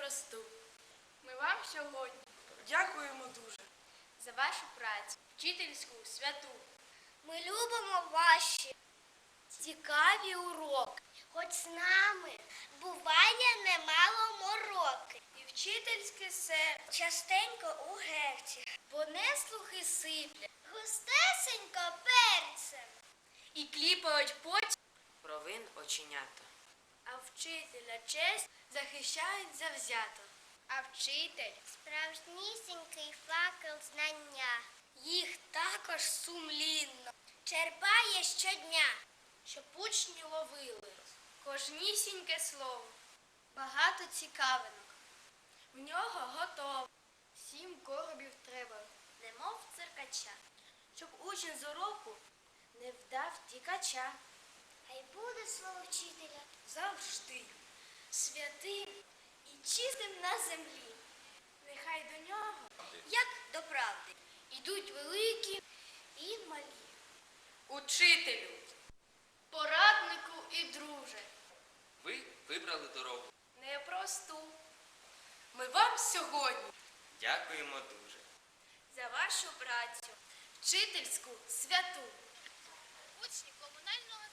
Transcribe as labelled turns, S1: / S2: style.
S1: непросту. Ми вам сьогодні
S2: Дякуємо дуже.
S1: за вашу працю, вчительську, святу.
S3: Ми любимо ваші цікаві уроки. Хоч з нами буває немало мороки. І вчительське серце частенько у герці, бо неслухи сиплять густесенько перцем.
S1: І кліпають потім,
S2: Провин оченята.
S1: а вчителя честь захищають завзято.
S3: А вчитель справжнісінький факел знання. Їх також сумлінно черпає щодня,
S1: Щоб учні ловили кожнісіньке слово, багато цікавинок. В нього готово. 7 коробів треба, немов циркача, щоб учень з уроку не вдав тікача.
S3: хай буде слово вчителя
S1: Завжди святим і чистим на землі. Нехай до нього,
S3: як до правди.
S1: ідуть великі і малі.
S2: Учителю!
S1: Пораднику і друже,
S4: Ви вибрали дорогу.
S1: непросту.
S2: Ми вам сьогодні
S4: Дякуємо дуже.
S1: За вашу працю, вчительську святу.
S3: Учні комунального